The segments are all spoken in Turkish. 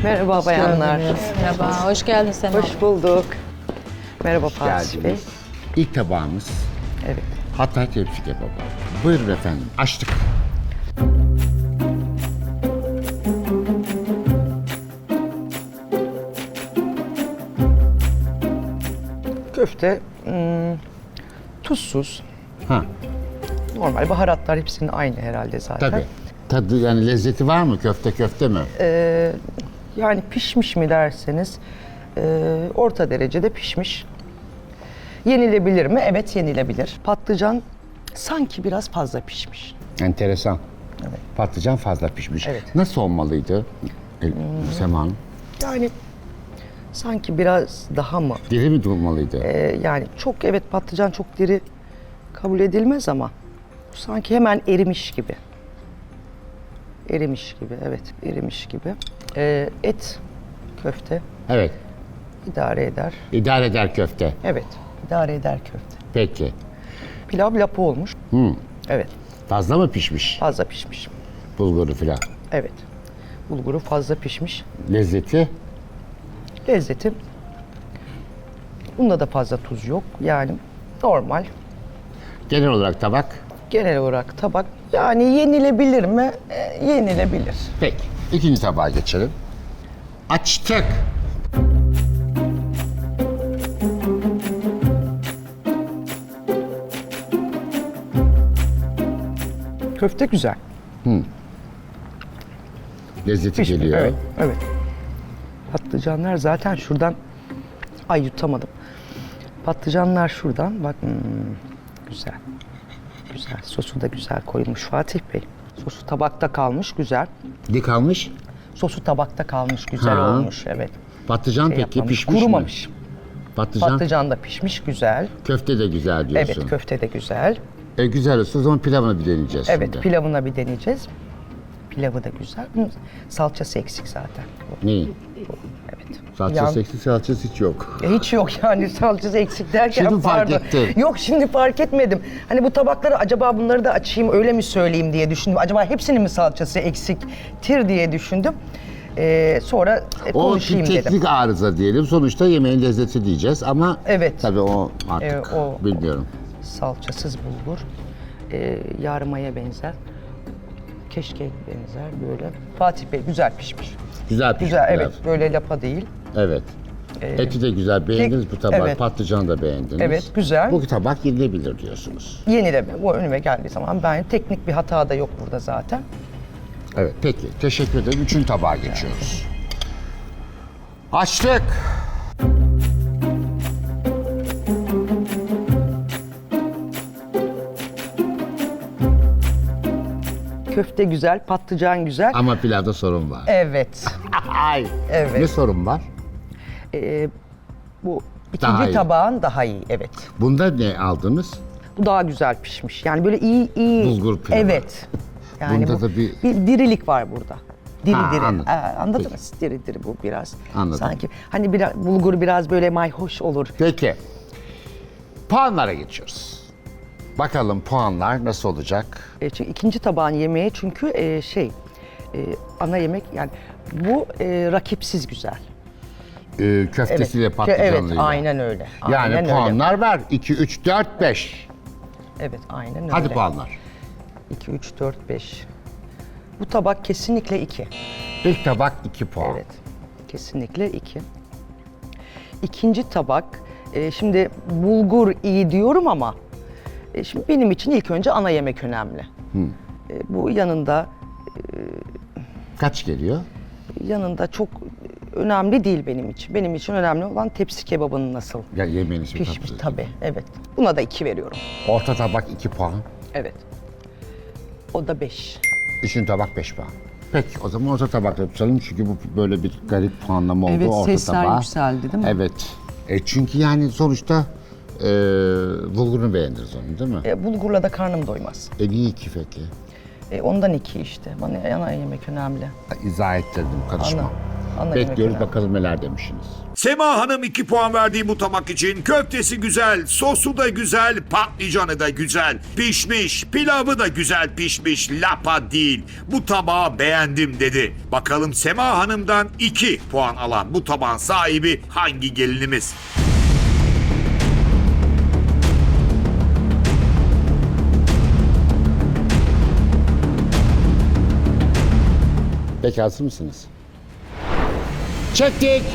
Merhaba bayanlar. Merhaba, hoş geldin Sema. Hoş bulduk. Merhaba Fatih Bey. Geldiniz. İlk tabağımız Evet. Hatay tepsi kebabı. Buyurun efendim, açtık. Köfte tuzsuz. Ha, Normal baharatlar hepsinin aynı herhalde zaten. tabii. Tadı yani lezzeti var mı? Köfte mi? Yani pişmiş mi derseniz orta derecede pişmiş. Yenilebilir mi? Evet, yenilebilir. Patlıcan sanki biraz fazla pişmiş. Enteresan. Evet. Patlıcan fazla pişmiş. Evet. Nasıl olmalıydı Sema Hanım? Yani sanki biraz daha mı? Diri mi durmalıydı? Yani çok, evet, patlıcan çok diri kabul edilmez ama sanki hemen erimiş gibi. Erimiş gibi, evet, erimiş gibi. Et, köfte Evet. idare eder. İdare eder köfte. Evet, idare eder köfte. Peki. Pilav lapa olmuş. Evet, Fazla mı pişmiş fazla pişmiş. bulguru filan? Evet, bulguru fazla pişmiş. Lezzeti? Lezzeti, bunda da fazla tuz yok. Yani normal. Genel olarak tabak? Genel olarak tabak, yani yenilebilir mi? Yenilebilir. Peki. İkinci tabağa geçelim. Açtık. Köfte güzel. Lezzeti Pişmiş, geliyor. evet, evet. Patlıcanlar zaten şuradan, ay yutamadım. Patlıcanlar şuradan, bak, güzel. Güzel, sosu da güzel koymuş Fatih Bey. Sosu tabakta kalmış, güzel. Dik almış. Sosu tabakta kalmış, güzel Ha. olmuş, evet. Patlıcan peki Yapmamış, pişmiş kurumamış. mi? Patlıcan. Patlıcan da pişmiş, güzel. Köfte de güzel diyorsun. Evet, köfte de güzel. Güzel olsa o zaman pilavını bir deneyeceğiz Evet, şimdi. pilavına bir deneyeceğiz. Pilavı da güzel. Salçası eksik zaten. Neyi? Evet. Salçası eksik, salçası hiç yok. Hiç yok yani, salçası eksik derken, Şimdi fark pardon. ettin. Yok, şimdi fark etmedim. Hani bu tabakları acaba bunları da açayım öyle mi söyleyeyim diye düşündüm. Acaba hepsinin mi salçası eksiktir diye düşündüm. Sonra O konuşayım teknik dedim. arıza diyelim. Sonuçta yemeğin lezzeti diyeceğiz ama Evet. tabii o artık O- bilmiyorum. Salçasız bulgur. Yarmaya benzer. Keşke benzer böyle. Fatih Bey güzel pişmiş. Güzel pişmiş Güzel, pilav. evet, böyle lapa değil. Evet. Eti de güzel beğendiniz bu tabak. evet. Patlıcanı da beğendiniz. Evet, güzel. Bu tabak yenilebilir diyorsunuz. Yenileme, bu önüme geldiği zaman, ben teknik bir hata da yok burada zaten. Evet peki teşekkür ederim. Üçüncü tabağa geçiyoruz. Açtık. Köfte güzel, patlıcan güzel. Ama pilavda sorun var. Evet. Ay. Evet. Ne sorun var? Bu Daha ikinci iyi. tabağın daha iyi, evet. Bunda ne aldınız? Bu daha güzel pişmiş. Yani böyle iyi. Bulgur pilavı. Evet. Yani Bunda bu, da bir- dirilik var burada. Diri Ha, diri. anladım. Anladınız? Diri diri bu biraz. Anladım. Sanki hani biraz, bulgur biraz böyle mayhoş olur. Peki. Puanlara geçiyoruz. Bakalım puanlar nasıl olacak? Çünkü ikinci tabağın yemeği, çünkü ana yemek, yani bu rakipsiz güzel. Köftesiyle Evet, patlıcanlıyla. aynen öyle. Yani Aynen öyle. puanlar ver. 2, 3, 4, 5. Evet, aynen öyle. Hadi puanlar. 2, 3, 4, 5. Bu tabak kesinlikle 2. İlk tabak 2 puan. Evet, kesinlikle 2. İkinci tabak, şimdi bulgur iyi diyorum ama şimdi benim için ilk önce ana yemek önemli. Bu Kaç geliyor? yanında çok önemli değil benim için. Benim için önemli olan tepsi kebabının nasıl Ya yemeğiniz bir pişmiş, tatlı. tabii, evet. Buna da 2 veriyorum. Orta tabak 2 puan. Evet. O da 5. Üçüncü tabak 5 puan. Peki o zaman orta tabak yapalım çünkü bu böyle bir garip puanlama oldu Evet, orta sesler tabağa. yükseldi, değil mi? Evet. Çünkü yani sonuçta bulgurunu beğendiniz onu değil mi? Bulgurla da karnım doymaz. Niye 2 peki? Ondan 2 işte. Bana ana yemek önemli. İzah ettirdim karışma. Ana. Ana yemek Bekliyoruz önemli. bakalım neler demişsiniz. Sema Hanım 2 puan verdiği bu tabak için köftesi güzel, sosu da güzel, patlıcanı da güzel, pişmiş, pilavı da güzel pişmiş, lapa değil. Bu tabağı beğendim dedi. Bakalım Sema Hanım'dan 2 puan alan bu tabağın sahibi hangi gelinimiz? Peki hazır mısınız? Çektik.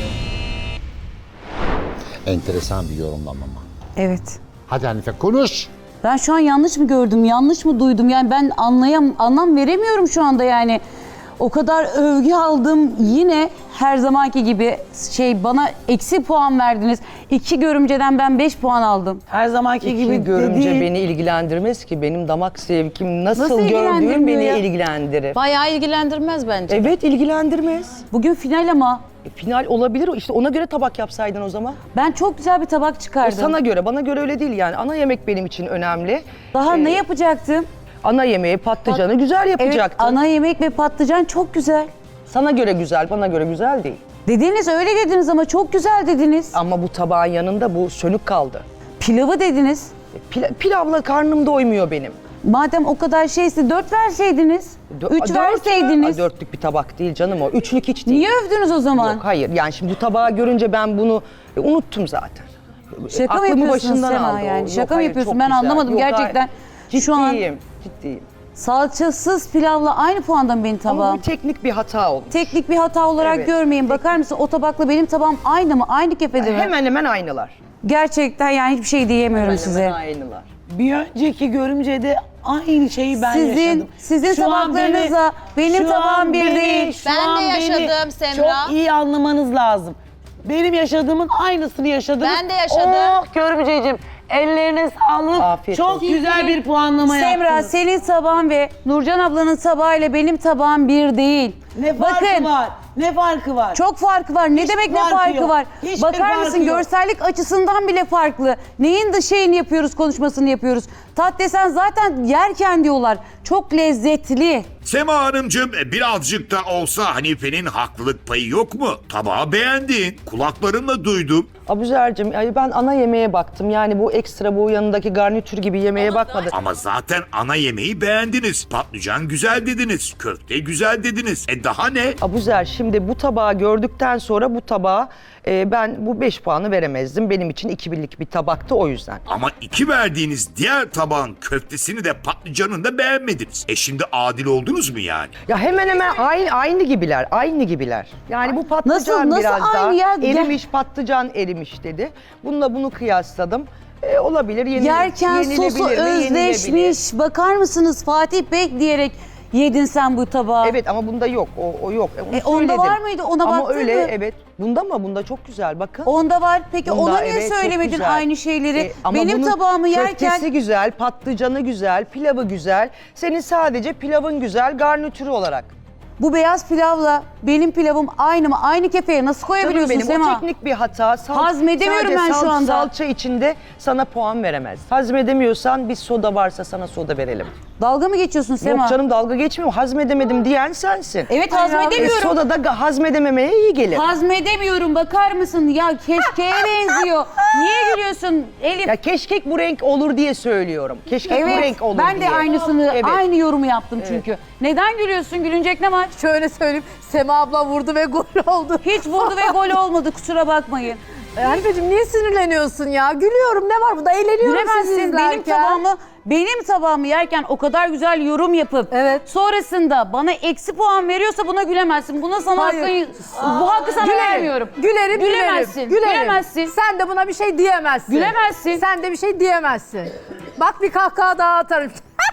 Enteresan bir yorumlama mı? Evet. Hadi Hanife konuş. Ben şu an yanlış mı gördüm, yanlış mı duydum? Yani ben anlam veremiyorum şu anda yani. O kadar övgü aldım, yine her zamanki gibi bana eksi puan verdiniz. 2 görümceden ben 5 puan aldım. Her zamanki gibi İki görümce dediğin- beni ilgilendirmez ki. Benim damak zevkim nasıl, Nasıl gördüğüm ilgilendirmiyor beni ya? ilgilendirir. Bayağı ilgilendirmez bence. Evet, ilgilendirmez. Bugün final ama Final olabilir. İşte ona göre tabak yapsaydın o zaman. ben çok güzel bir tabak O çıkardım. sana göre, bana göre öyle değil yani. Ana yemek benim için önemli. Daha ne yapacaktım? Ana yemeği, patlıcanı güzel Evet, yapacaktın. ana yemek ve patlıcan çok güzel. Sana göre güzel, bana göre güzel değil. Dediniz, öyle dediniz ama çok güzel dediniz. Ama bu tabağın yanında bu sönük kaldı. Pilavı dediniz. Pilavla karnım doymuyor benim. Madem o kadar şeyse 4 verseydiniz. 3 verseydiniz. Dörtlük bir tabak değil canım o. Üçlük hiç değil. Niye övdünüz o zaman? Yok hayır, yani şimdi bu tabağı görünce ben bunu unuttum zaten. Şaka mı Aklımı yapıyorsun başından Sema aldı o. yani? Yok, Şaka mı hayır, yapıyorsun? çok Ben güzel. anlamadım Yok, hayır. gerçekten. Şu an Ciddiyim. salçasız pilavla aynı puanda mı benim Ama tabağım? bir teknik bir hata oldu. Teknik bir hata olarak Evet. görmeyin. Bakar mısın, o tabakla benim tabağım aynı mı? Aynı kefede mi? Hemen hemen aynılar. Gerçekten yani hiçbir şey diyemiyorum size. Hemen aynılar. Bir önceki görümcede aynı şeyi ben yaşadım. Sizin Şu an tabaklarınızla benim şu tabağım an bir beni- değil. şu Ben an de beni yaşadım Semra. Çok iyi anlamanız lazım. Benim yaşadığımın aynısını yaşadınız. Ben de yaşadım. Oh görümceciğim, ellerine sağlık. Afiyet Çok olsun. güzel bir puanlama Semra, yaptınız. senin tabağın ve Nurcan ablanın tabağıyla benim tabağım bir değil. Ne farkı var? Ne farkı var? Çok farkı var. Ne Hiç demek ne farkı farkı yok. var? Hiçbir Bakar farkı mısın, yok. görsellik açısından bile farklı. Neyin de şeyini yapıyoruz, konuşmasını yapıyoruz. Tat desen zaten yerken diyorlar. Çok lezzetli. Sema Hanımcığım birazcık da olsa Hanife'nin haklılık payı yok mu? Tabağı beğendin, kulaklarımla duydum. Abuzer'cim yani ben ana yemeğe baktım. Yani bu ekstra bu yanındaki garnitür gibi yemeğe bakmadım. Ama zaten ana yemeği beğendiniz. Patlıcan güzel dediniz, köfte güzel dediniz. Daha ne? Abuzer, şimdi bu tabağı gördükten sonra bu tabağa ben bu 5 puanı veremezdim. Benim için 2-1'lik bir tabaktı o yüzden. Ama 2 verdiğiniz diğer tabağın köftesini de patlıcanını da beğenmediniz. Şimdi adil oldunuz mu yani? Ya hemen hemen aynı gibiler, aynı gibiler. Yani bu patlıcan Nasıl biraz daha aynı ya? erimiş, patlıcan erimiş dedi. Bununla bunu kıyasladım. Olabilir, Yerken sosu yenilebilir mi? Yenilebilir. özleşmiş. Bakar mısınız, Fatih Bey diyerek yedin sen bu tabağı. Evet ama bunda yok, o yok. Onu onda söyledim. var mıydı? Ona ama baktın öyle, mı? evet. Bunda mı? Bunda çok güzel, bakın. Onda var. Peki Bunda ona niye evet, çok söylemedin güzel. aynı şeyleri? Ama Benim bunun tabağımı yerken köftesi güzel, patlıcanı güzel, pilavı güzel. Senin sadece pilavın güzel, garnitürü olarak. bu beyaz pilavla benim pilavım aynı mı? Aynı kefeye nasıl Canım koyabiliyorsun benim, Sema? o teknik bir hata. Hazmedemiyorum sadece ben şu anda. Salça içinde sana puan veremez. Hazmedemiyorsan bir soda varsa sana soda verelim. Dalga mı geçiyorsun Sema? Yok canım, dalga geçmiyorum. Hazmedemedim diyen sensin. Evet, hazmedemiyorum. Soda da hazmedememeye iyi gelir. Hazmedemiyorum, bakar mısın? Ya keşkeye benziyor. Niye gülüyorsun Elif? Ya keşkek bu renk olur diye söylüyorum. Keşkek bu renk olur ben diye. de aynısını, Evet. aynı yorumu yaptım çünkü. Neden gülüyorsun? Gülünecek ne var? Şöyle söyleyeyim. Sema abla vurdu ve gol oldu. Hiç vurdu ve gol olmadı, kusura bakmayın. Hanifeciğim niye sinirleniyorsun ya? Gülüyorum, ne var burada? Eğleniyorum sizi Gülemezsin. izlerken. Benim tabağımı yerken o kadar güzel yorum yapıp Evet. sonrasında bana eksi puan veriyorsa buna gülemezsin. Buna sana Hayır. bu hakkı sana Gülerim. vermiyorum. Gülerim, Gülemezsin. gülerim. Gülemezsin. Sen de buna bir şey diyemezsin. Gülemezsin. Sen de bir şey diyemezsin. Bak bir kahkaha daha atarım.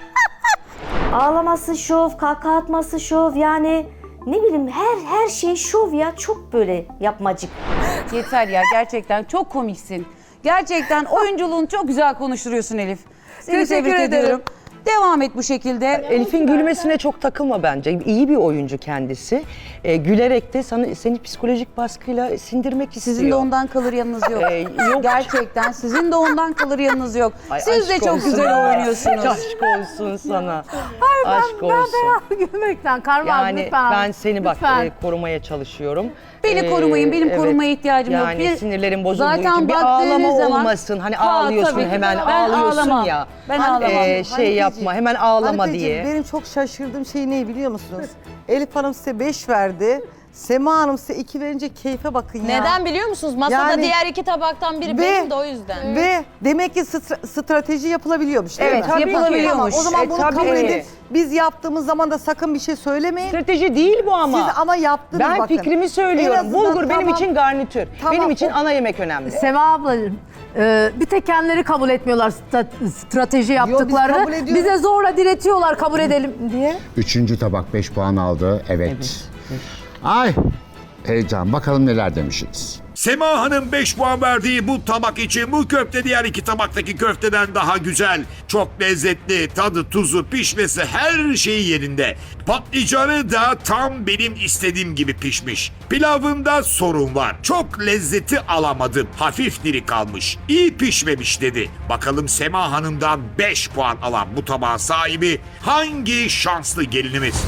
Ağlaması şov, kahkaha atması şov, yani ne bileyim her şey şov ya, çok böyle yapmacık. Yeter ya, gerçekten çok komiksin. Gerçekten oyunculuğunu çok güzel konuşturuyorsun Elif. Seni Teşekkür tebrik ederim. ediyorum. Devam et bu şekilde. Elif'in gülmesine çok takılma bence. İyi bir oyuncu kendisi. Gülerek de seni psikolojik baskıyla sindirmek istiyor. Sizin de ondan kalır yanınız yok. Yok. Gerçekten sizin de ondan kalır yanınız yok. Ay, Siz de aşk çok olsun güzel bana. oynuyorsunuz. Aşk olsun sana. Hayır, Aşk olsun. Gülmekten Karman Yani lütfen. ben seni bak Lütfen. Korumaya çalışıyorum. Beni korumayın, benim korumaya ihtiyacım yok. Yani Bir- sinirlerim bozulduğu Zaten için bir baktığınız ağlama zaman- olmasın. Hani Ha, ağlıyorsun tabii ki. hemen Ben ağlıyorsun ağlamam. ya. Ben ağlamam. Şey yapma hemen ağlama Hanifeciğim, diye. benim çok şaşırdığım şey ne biliyor musunuz? Elif Hanım size 5 verdi. Sema Hanım size 2 verince keyfe bakın ya. Neden biliyor musunuz? Masada Yani- diğer iki tabaktan biri benim de o yüzden. Ve demek ki strateji yapılabiliyormuş değil Evet, mi? yapılabiliyormuş. Tamam, o zaman bunu tabii kabul ki. edin. Biz yaptığımız zaman da sakın bir şey söylemeyin. Strateji değil bu ama. Siz ama yaptınız Ben bakın. fikrimi En söylüyorum. azından Bulgur benim için garnitür. Tamam, Benim için o- ana yemek önemli. Sema ablacığım, bir tek kendileri kabul etmiyorlar strateji yaptıklarını. kabul ediyoruz. Bize zorla diretiyorlar kabul edelim diye. 3. tabak 5 puan aldı. Evet. Ay heyecan. Bakalım neler demişsiniz. Sema Hanım 5 puan verdiği bu tabak için bu köfte diğer iki tabaktaki köfteden daha güzel. Çok lezzetli, tadı, tuzu, pişmesi her şeyi yerinde. Patlıcanı da tam benim istediğim gibi pişmiş. Pilavında sorun var. Çok lezzeti alamadım. Hafif diri kalmış. İyi pişmemiş dedi. Bakalım Sema Hanım'dan 5 puan alan bu tabağın sahibi hangi şanslı gelinimiz?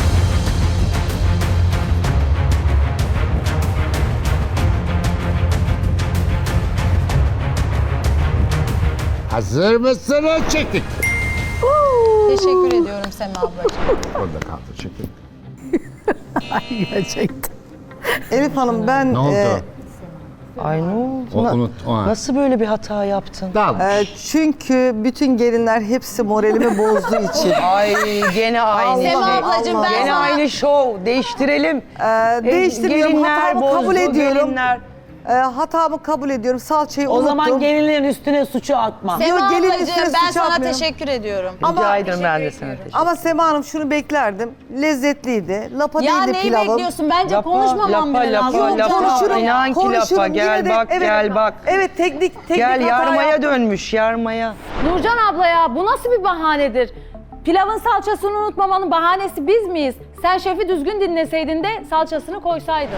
Hazır mısınız? Çektik. Teşekkür ediyorum Sema ablacığım. Orada kaldı. Çektik. Gerçekten. Elif Hanım ben Ne oldu? Ay ne oldu? O. Nasıl böyle bir hata yaptın? Çünkü bütün gelinler hepsi moralimi bozduğu için. Ay gene aynı Sema şey. ablacığım, ben Gene sana- aynı şov. Değiştirelim. Değiştirmiyorum, Gelinler hatamı bozdu, kabul ediyorum. gelinler. Hatamı kabul ediyorum. Salçayı O unuttum. zaman gelinlerin üstüne suçu atma. Yok, Sema gelin ablacığım üstüne ben suç sana atmıyorum. teşekkür ediyorum. Rica ederim ben de sana teşekkür Ama Sema Hanım şunu beklerdim. Lezzetliydi. Lapa Ya değildi neyi pilavım. bekliyorsun? Bence konuşmamam bile lazım. Konuşurum. İnan ki konuşurum. lafa. Gel Yine de- bak, evet, gel bak. Evet teknik Gel hata yarmaya yaptım. dönmüş, yarmaya. Nurcan abla ya bu nasıl bir bahanedir? Pilavın salçasını unutmamanın bahanesi biz miyiz? Sen şefi düzgün dinleseydin de salçasını koysaydın.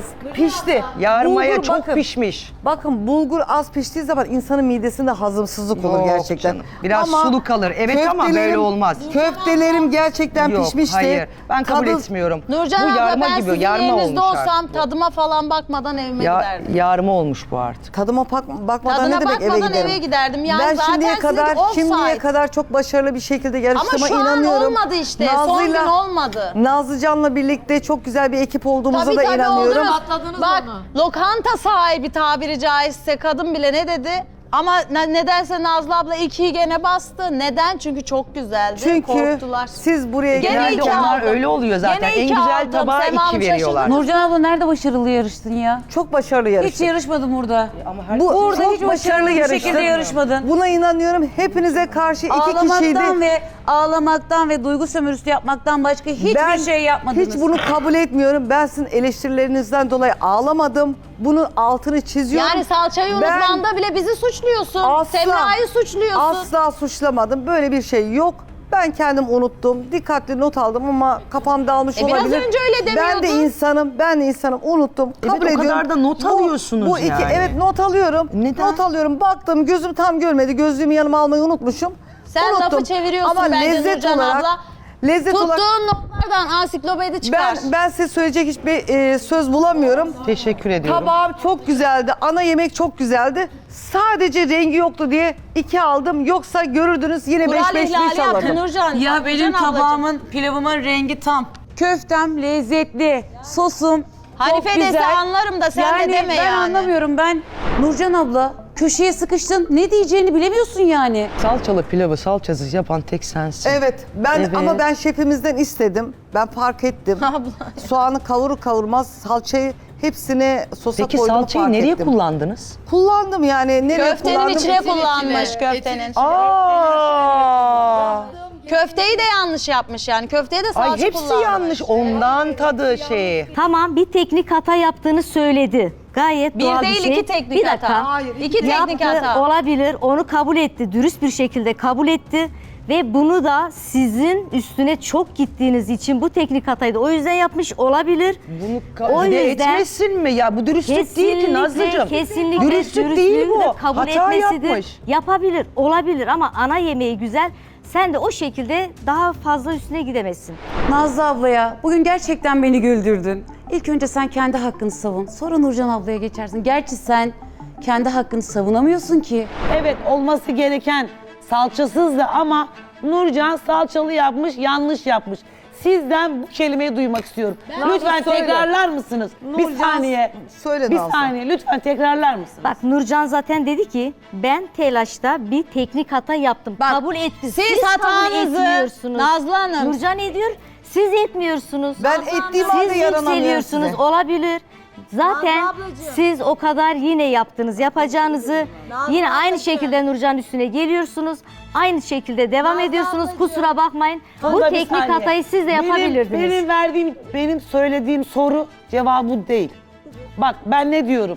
Pişti. Yarmaya Bulgur çok bakın. pişmiş. Bakın bulgur az piştiği zaman insanın midesinde hazımsızlık olur Yok gerçekten. canım, biraz sulu kalır. Evet ama böyle köftelerim- olmaz. Köftelerim gerçekten Yok, pişmişti. hayır. Ben kabul Tadı- etmiyorum. Nurcan bu abla yarma ben gibi, sizin yarma yerinizde olmuş olsam artık. tadıma falan bakmadan evime giderdim. Yarma olmuş bu artık. Tadıma bakmadan Tadına ne demek eve bakmadan giderim? eve giderdim. Yani ben zaten şimdiye sizinki offside. kadar çok başarılı bir şekilde yarıştığıma Ama şu inanıyorum. an olmadı işte. Son gün olmadı. Nazlıcan'la birlikte çok güzel bir ekip olduğumuza da inanıyorum. olur. Bak lokanta sahibi tabiri caizse kadın bile ne dedi? Ama nedense Nazlı abla 2'yi gene bastı. Neden? Çünkü çok güzeldi. Çünkü Korktular. siz buraya Gene Genelde iki onlar aldım. öyle oluyor zaten. Gene En iki güzel aldım. tabağa Sema Hanım 2 veriyorlar. şaşırdı. Nurcan abla nerede başarılı yarıştın ya? çok başarılı Hiç yarıştın. yarışmadım burada. Burada hiç başarılı bir şekilde yarışmadın. Buna inanıyorum. Hepinize karşı iki kişiydi. Ağlamaktan ve duygu sömürüsü yapmaktan başka hiçbir şey yapmadınız. Hiç bunu kabul etmiyorum. Ben sizin eleştirilerinizden dolayı ağlamadım. Bunun altını çiziyorum. Yani salçayı Ben unutmanda bile bizi suçluyorsun. asla- Semra'yı suçluyorsun. Asla suçlamadım. Böyle bir şey yok. Ben kendim unuttum. Dikkatli not aldım ama kafam dağılmış biraz olabilir. önce öyle Ben de insanım. Unuttum. Evet, Kabul o kadar ediyorum. da not alıyorsunuz bu iki, yani. evet not alıyorum. Neden? Not alıyorum. Baktım gözüm tam görmedi. Gözlüğümü yanıma almayı unutmuşum. Sen Unuttum. lafı çeviriyorsun ama bence lezzet Nurcan olarak, abla. Lezzet olarak Tuttuğun notlardan ansiklopedi çıkar. ben size söyleyecek hiçbir söz bulamıyorum. Teşekkür ediyorum. Tabağım çok güzeldi. Ana yemek çok güzeldi. Sadece rengi yoktu diye 2 aldım. Yoksa görürdünüz yine 5 Kural 5 ihlali 5 yaptın alırdım. Nurcan. Ya benim Nurcan ablacığım. tabağımın, pilavımın rengi tam. Köftem lezzetli, sosum Hanife çok dese güzel. anlarım da sen de deme ben yani. anlamıyorum. Ben Nurcan abla köşeye sıkıştın. Ne diyeceğini bilemiyorsun yani. Salçalı pilavı salçasız yapan tek sensin. Evet. Evet. Ama ben şefimizden istedim. Ben fark ettim. Soğanı kavurur kavurmaz salçayı hepsini sosa Peki koyduğumu salçayı fark nereye ettim. kullandınız? Kullandım yani. Nereye Köftenin kullandım? içine kullanmış köftenin. Aa! Köfteyi de yanlış yapmış yani. Köfteye de salça Ay hepsi kullanmış. yanlış. Ondan tadı şeyi. Tamam bir teknik hata yaptığını söyledi. Gayet Bir doğal değil, bir şey. iki teknik bir dakika. hata. Hayır, iki teknik Yaptı, hata. olabilir. Onu kabul etti. Dürüst bir şekilde kabul etti. Ve bunu da sizin üstüne çok gittiğiniz için bu teknik hatayı da o yüzden yapmış olabilir. Bunu O kabul yüzden- etmesin mi ya? Bu dürüstlük değil ki Nazlıcığım. Kesinlikle Dürüstlük değil dürüstlüğünü bu. de kabul Hata etmesidir. yapmış. Yapabilir, olabilir ama ana yemeği güzel. Sen de o şekilde daha fazla üstüne gidemezsin. Nazlı ablaya bugün gerçekten beni güldürdün. İlk önce sen kendi hakkını savun. Sonra Nurcan ablaya geçersin. Gerçi sen kendi hakkını savunamıyorsun ki. Evet, olması gereken salçasızdı ama Nurcan salçalı yapmış, yanlış yapmış. Sizden bu kelimeyi duymak istiyorum. Lütfen söyle. tekrarlar mısınız? Bir Nurcan, saniye. söyle Bir Nazlı. saniye, lütfen tekrarlar mısınız? Bak Nurcan zaten dedi ki ben telaşta bir teknik hata yaptım. kabul etti. Siz kabul hatanızı etmiyorsunuz. Nazlı Hanım. Nurcan ediyor. Siz etmiyorsunuz. Ben ettiğim halde Siz yaranamıyorum yükseliyorsunuz. size. Olabilir. Zaten Nazlı ablacığım. siz o kadar yine yaptınız yapacağınızı. Yine aynı şekilde Nurcan üstüne geliyorsunuz. Aynı şekilde devam ediyorsunuz. Kusura bakmayın. Bu Burada bir teknik saniye. hatayı siz de yapabilirdiniz. Benim söylediğim soru cevabı değil. Bak ben ne diyorum?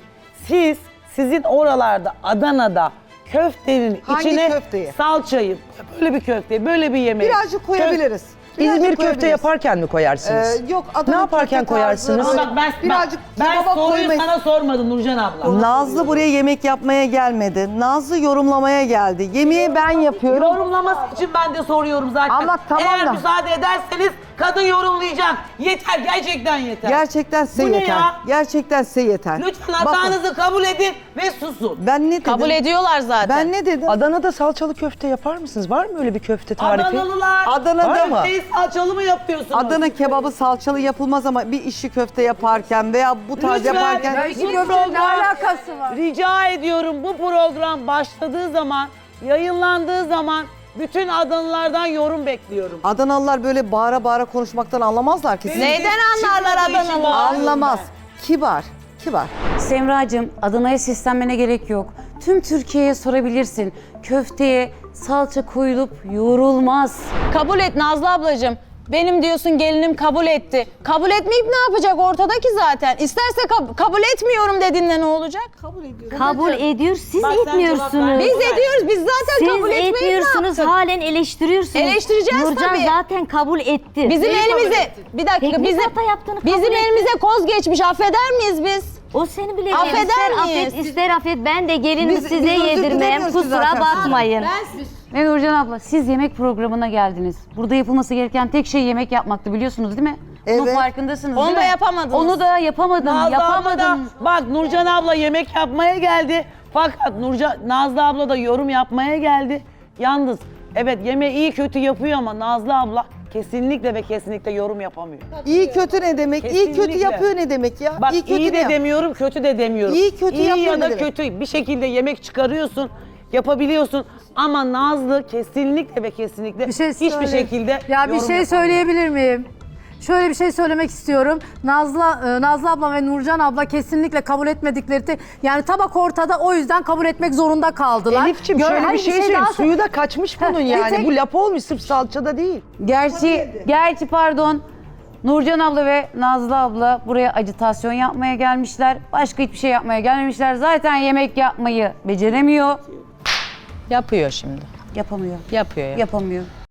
Sizin oralarda Adana'da köftenin Hangi içine köfteyi? salçayı, böyle bir köfte, böyle bir yemek. Birazcık koyabiliriz. Birazcık İzmir köfte koyabiliriz. yaparken mi koyarsınız? Yok, Adana Ne yaparken köfte koyarsınız? tarzı, Ama bak birazcık ben kebaba soruyu koymayı- sana sormadım Nurcan abla. Nazlı buraya yemek yapmaya gelmedi. Nazlı yorumlamaya geldi. Yemeği ben yapıyorum. Yorumlaması için ben de soruyorum zaten. Ama tamam Eğer da- müsaade ederseniz kadın yorumlayacak. Yeter, gerçekten yeter. Gerçekten size Bu ne yeter. ya? Gerçekten size yeter. Lütfen Bakın, hatanızı kabul edin ve susun. ben ne dedim? Kabul ediyorlar zaten. Ben ne dedim? Adana'da salçalı köfte yapar mısınız? Var mı öyle bir köfte tarifi? Adanalılar. Adana'da mı? Köfteyi salçalı mı yapıyorsunuz? Adana kebabı salçalı yapılmaz ama bir işi köfte yaparken veya bu tarz Lütfen. yaparken Bu program- Rica ediyorum bu program başladığı zaman, yayınlandığı zaman bütün Adanalılardan yorum bekliyorum. Adanalılar böyle bağıra bağıra konuşmaktan anlamazlar ki. Neyden anlarlar Adanalı? Anlamaz. Kibar. Kibar. Semracığım, Adana'ya seslenmene gerek yok. Tüm Türkiye'ye sorabilirsin. Köfteye salça koyulup yoğrulmaz. Kabul et Nazlı ablacığım. Benim diyorsun gelinim kabul etti. Kabul etmeyip ne yapacak ortadaki zaten? İsterse kabul etmiyorum dediğinde ne olacak? Kabul ediyor, siz Bak sen cevap etmiyorsunuz. ver. Biz ediyoruz. Biz zaten Siz kabul etmeyiz. Ne etmiyorsunuz, yaptık? halen eleştiriyorsunuz. Eleştireceğiz Nurcan tabii. zaten kabul etti. Bizim elimize bir dakika Teknik hata yaptığını kabul bizim etti. elimize koz geçmiş. Affeder miyiz biz? O seni bile Affeder ister miyiz? affet, ister affet. Ben de gelinimi Biz- size biz özür yedirmem. dilemiyoruz ki Kusura zaten. bakmayın. Ve Nurcan abla, siz yemek programına geldiniz. Burada yapılması gereken tek şey yemek yapmaktı, biliyorsunuz değil mi? Bunun Evet. farkındasınız Onu değil da mi? yapamadınız. Onu da yapamadım, Nazlı abla yapamadım. da, bak Nurcan abla yemek yapmaya geldi. Fakat Nazlı abla da yorum yapmaya geldi. Yalnız evet yemeği iyi kötü yapıyor ama Nazlı abla kesinlikle ve kesinlikle yorum yapamıyor. İyi kötü ne demek? İyi kötü Kesinlikle. yapıyor ne demek ya? Bak iyi kötü iyi ne de yap- demiyorum, kötü de demiyorum. İyi kötü İyi yapıyor ya ne da demek? kötü bir şekilde yemek çıkarıyorsun, yapabiliyorsun. Ama Nazlı kesinlikle ve kesinlikle hiçbir şekilde Ya bir yorum şey yapamıyor. söyleyebilir miyim? Şöyle bir şey söylemek istiyorum. Nazlı abla ve Nurcan abla kesinlikle kabul etmedikleri yani tabak ortada, o yüzden kabul etmek zorunda kaldılar. Elif'ciğim şöyle Hayır, bir şey söyleyeyim. daha- Suyu da kaçmış bunun bir yani. tek- Bu lapa olmuş sırf salçada değil. Gerçi pardon, Nurcan abla ve Nazlı abla buraya ajitasyon yapmaya gelmişler. Başka hiçbir şey yapmaya gelmemişler. Zaten yemek yapmayı beceremiyor. Yapıyor şimdi. Yapamıyor. Yapıyor. Yapamıyor.